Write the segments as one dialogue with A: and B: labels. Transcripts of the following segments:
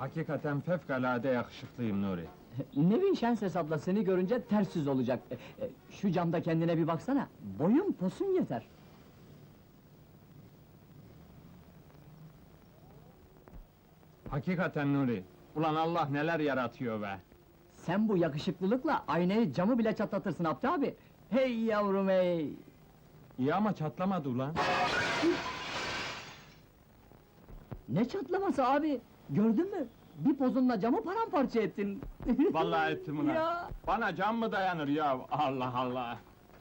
A: Hakikaten fevkalade yakışıklıyım Nuri.
B: Nevin Şenses abla seni görünce ters yüz olacak. Şu camda kendine bir baksana. Boyun posun yeter.
A: Hakikaten Nuri. Ulan Allah neler yaratıyor be!
B: Sen bu yakışıklılıkla aynayı camı bile çatlatırsın Abdi abi. Hey yavrum hey!
A: İyi ama çatlamadı ulan.
B: Ne çatlaması abi? Gördün mü? Bir pozunla camı paramparça ettin.
A: Vallahi ettim ulan.
B: Ya!
A: Bana cam mı dayanır ya? Allah Allah!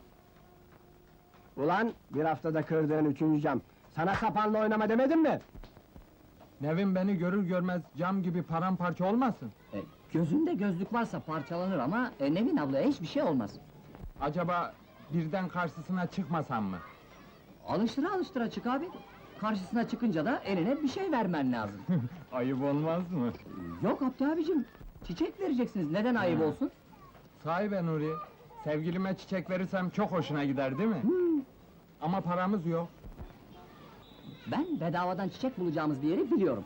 C: Ulan, bir haftada kırdığın 3. cam. Sana sapanla oynama demedim mi?
A: Nevin beni görür görmez cam gibi paramparça olmasın?
B: Gözünde gözlük varsa parçalanır ama Nevin ablaya hiçbir şey olmaz.
A: Acaba birden karşısına çıkmasam mı?
B: Alıştıra alıştıra çık abi. Karşısına çıkınca da eline bir şey vermen lazım.
A: Ayıp olmaz mı?
B: Yok Abdi abicim, çiçek vereceksiniz, neden ayıp olsun?
A: Sahi be Nuri, sevgilime çiçek verirsem çok hoşuna gider değil mi? Ama paramız yok.
B: Ben bedavadan çiçek bulacağımız bir yeri biliyorum.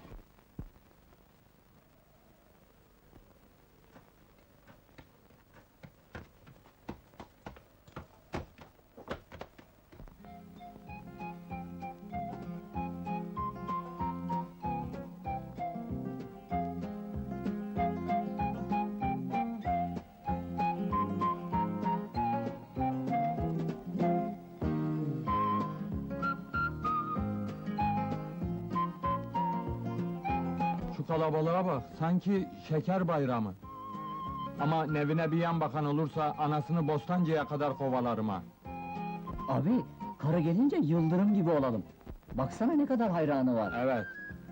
A: Şu kalabalığa bak, sanki şeker bayramı. Ama Nevin'e bir yan bakan olursa, anasını Bostancı'ya kadar kovalarım ha.
B: Abi, karı gelince yıldırım gibi olalım. Baksana ne kadar hayranı var.
A: Evet.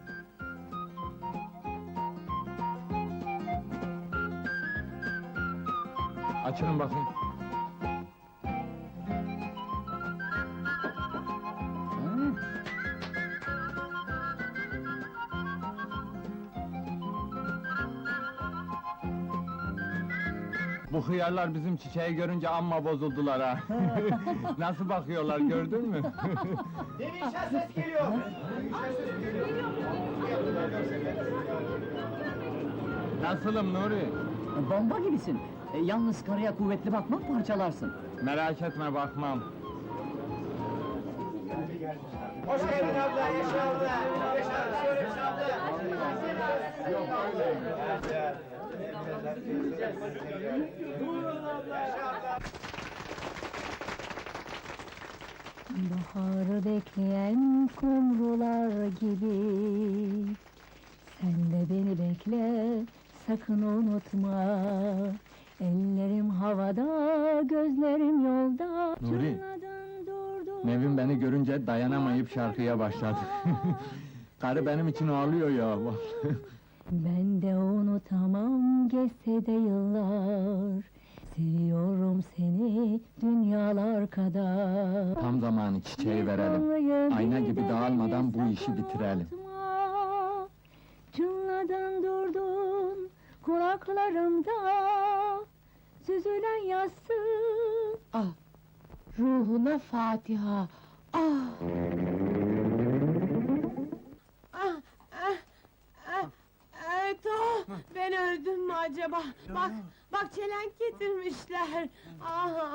A: Açın bakayım.
B: Hı.
A: Bu hıyarlar bizim çiçeği görünce amma bozuldular ha. Nasıl bakıyorlar gördün mü?
C: Nevin Şenses geliyor!
A: Nasılım Nuri?
B: Bomba gibisin. Yalnız karıya kuvvetli bakma, parçalarsın.
A: Merak etme bakmam.
C: Hoş geldin abla, yaşa abla! Yaşa abla!
A: Yok öyle.
D: Baharı bekleyen kumrular gibi sen de beni bekle, sakın unutma. Ellerim havada, gözlerim yolda.
A: Nuri,
D: Çınladın, durdun.
A: Nevin beni görünce dayanamayıp şarkıya başladı. Karı benim için ağlıyor ya.
D: Ben de unutamam, geçse de yıllar. Seviyorum seni dünyalar kadar.
A: Tam zamanı çiçeği verelim. Ayna gibi dağılmadan bu işi bitirelim.
D: Unutma, çınladın durdun kulaklarımda, süzülen yassı. Ah, ruhuna Fatiha. Ah.
E: Eto, ben öldüm mü acaba? Bak çelenk getirmişler. Aha.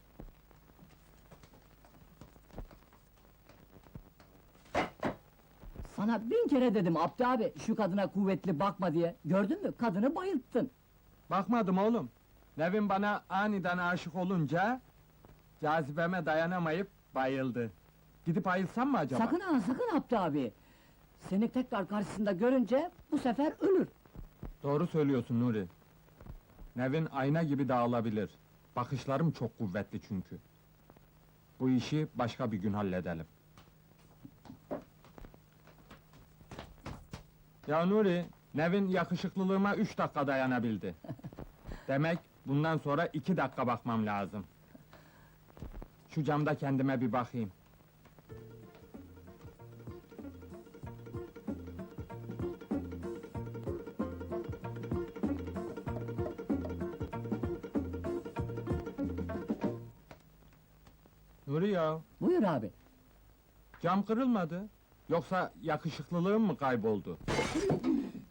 B: Sana 1000 kere dedim Abdi abi, şu kadına kuvvetli bakma diye. Gördün mü, kadını bayılttın.
A: Bakmadım oğlum. Nevin bana aniden aşık olunca cazibeme dayanamayıp bayıldı. Gidip ayılsam mı acaba?
B: Sakın ha, sakın Abdi abi! Seni tekrar karşısında görünce, bu sefer ölür.
A: Doğru söylüyorsun Nuri. Nevin ayna gibi dağılabilir. Bakışlarım çok kuvvetli çünkü. Bu işi başka bir gün halledelim. Ya Nuri, Nevin yakışıklılığıma 3 dakika dayanabildi. Demek bundan sonra 2 dakika bakmam lazım. Şu camda kendime bir bakayım. Nuri ya,
B: Buyur abi.
A: cam kırılmadı. Yoksa yakışıklılığım mı kayboldu?